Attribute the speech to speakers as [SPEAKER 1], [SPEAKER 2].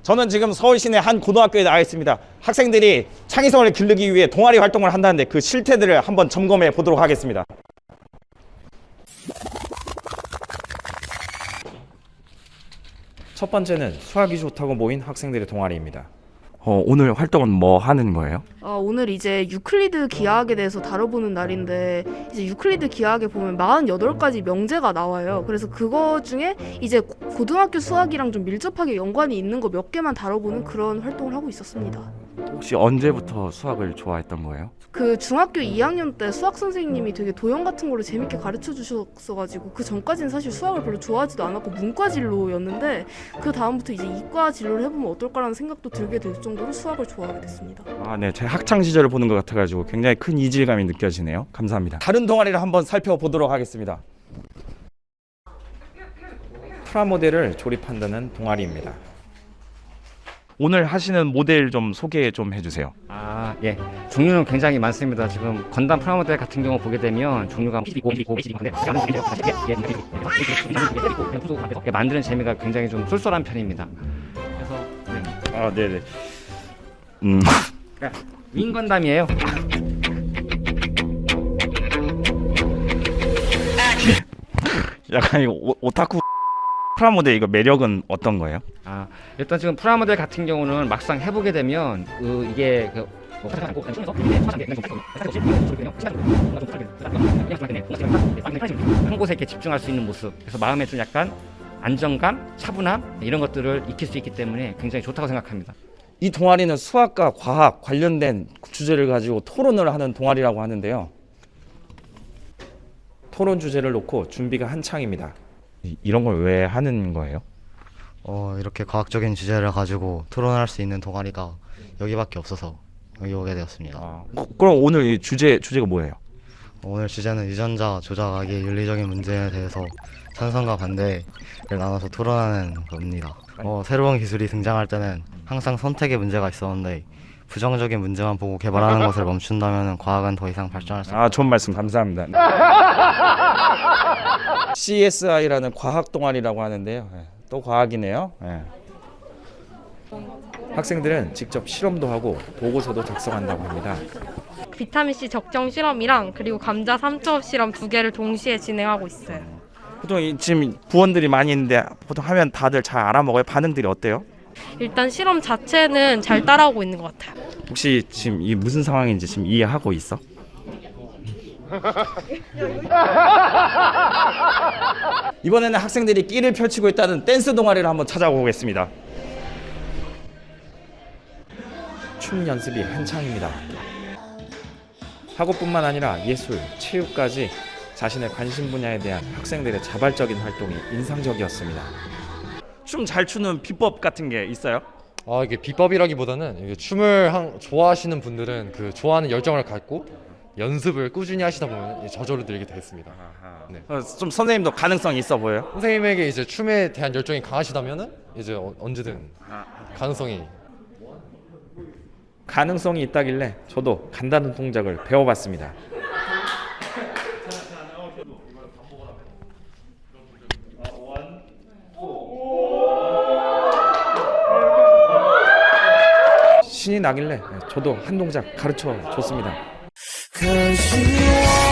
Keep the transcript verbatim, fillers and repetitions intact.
[SPEAKER 1] 저는 지금 서울 시내 한 고등학교에 나와 있습니다. 학생들이 창의성을 기르기 위해 동아리 활동을 한다는데 그 실태들을 한번 점검해 보도록 하겠습니다. 첫 번째는 수학이 좋다고 모인 학생들의 동아리입니다. 어, 오늘 활동은 뭐 하는 거예요?
[SPEAKER 2] 어, 오늘 이제 유클리드 기하학에 대해서 다뤄보는 날인데 이제 유클리드 기하학에 보면 사십팔 가지 명제가 나와요. 그래서 그거 중에 이제 고등학교 수학이랑 좀 밀접하게 연관이 있는 거 몇 개만 다뤄보는 그런 활동을 하고 있었습니다.
[SPEAKER 1] 혹시 언제부터 수학을 좋아했던 거예요?
[SPEAKER 2] 그 중학교 이 학년 때 수학 선생님이 되게 도형 같은 거를 재밌게 가르쳐 주셨어가지고 그 전까지는 사실 수학을 별로 좋아하지도 않았고 문과 진로였는데 그 다음부터 이제 이과 진로를 해보면 어떨까라는 생각도 들게 될 정도로 수학을 좋아하게 됐습니다.
[SPEAKER 1] 아, 네. 제 학창 시절을 보는 것 같아가지고 굉장히 큰 이질감이 느껴지네요. 감사합니다. 다른 동아리를 한번 살펴보도록 하겠습니다. 프라모델을 조립한다는 동아리입니다. 오늘 하시는 모델 좀 소개 좀 해주세요.
[SPEAKER 3] 아, 예. 종류는 굉장히 많습니다. 지금 건담 프라모델 같은 경우 보게 되면 종류가 만드는 재미가 굉장히 좀 쏠쏠한 편입니다. 그래서 네.
[SPEAKER 1] 아, 네네. 음.
[SPEAKER 3] 윙 건담이에요.
[SPEAKER 1] 약간 이 오, 오타쿠 프라모델 이거 매력은 어떤 거예요?
[SPEAKER 3] 아, 일단 지금 프라모델 같은 경우는 막상 해보게 되면 그 이게 그 한 곳에 이렇게 집중할 수 있는 모습, 그래서 마음에 좀 약간 안정감, 차분함 이런 것들을 익힐 수 있기 때문에 굉장히 좋다고 생각합니다.
[SPEAKER 1] 이 동아리는 수학과 과학 관련된 주제를 가지고 토론을 하는 동아리라고 하는데요. 토론 주제를 놓고 준비가 한창입니다. 이- 이런 걸 왜 하는 거예요?
[SPEAKER 4] 어, 이렇게 과학적인 주제를 가지고 토론할 수 있는 동아리가 여기밖에 없어서 여기 오게 되었습니다.
[SPEAKER 1] 아, 그- 그럼 오늘 이 주제 주제가 뭐예요?
[SPEAKER 4] 오늘 주제는 유전자 조작하기의 윤리적인 문제에 대해서 찬성과 반대를 나눠서 토론하는 겁니다. 어, 새로운 기술이 등장할 때는 항상 선택의 문제가 있었는데 부정적인 문제만 보고 개발하는 것을 멈춘다면 과학은 더 이상 발전할 수 없습니다.
[SPEAKER 1] 아, 좋은 말씀 감사합니다. 씨에스아이라는 과학 동아리라고 하는데요. 예, 또 과학이네요. 예. 학생들은 직접 실험도 하고 보고서도 작성한다고 합니다.
[SPEAKER 5] 비타민C 적정 실험이랑 그리고 감자 삼 초업 실험 두 개를 동시에 진행하고 있어요.
[SPEAKER 1] 보통 이, 지금 부원들이 많이 있는데 보통 하면 다들 잘 알아먹어요? 반응들이 어때요?
[SPEAKER 5] 일단 실험 자체는 잘 따라오고 있는 것 같아요.
[SPEAKER 1] 혹시 지금 이 무슨 상황인지 지금 이해하고 있어? 이번에는 학생들이 끼를 펼치고 있다는 댄스 동아리를 한번 찾아보겠습니다. 춤 연습이 한창입니다. 학업뿐만 아니라 예술, 체육까지 자신의 관심 분야에 대한 학생들의 자발적인 활동이 인상적이었습니다. 춤 잘 추는 비법 같은 게 있어요?
[SPEAKER 6] 아, 이게 비법이라기보다는 이게 춤을 한, 좋아하시는 분들은 그 좋아하는 열정을 갖고 연습을 꾸준히 하시다 보면 저절로 늘게 되겠습니다. 네.
[SPEAKER 1] 어, 좀 선생님도 가능성이 있어 보여요?
[SPEAKER 6] 선생님에게 이제 춤에 대한 열정이 강하시다면은 이제 어, 언제든 가능성이.
[SPEAKER 1] 가능성이 있다길래 저도 간단한 동작을 배워봤습니다. 신이 나길래 저도 한 동작 가르쳐 줬습니다.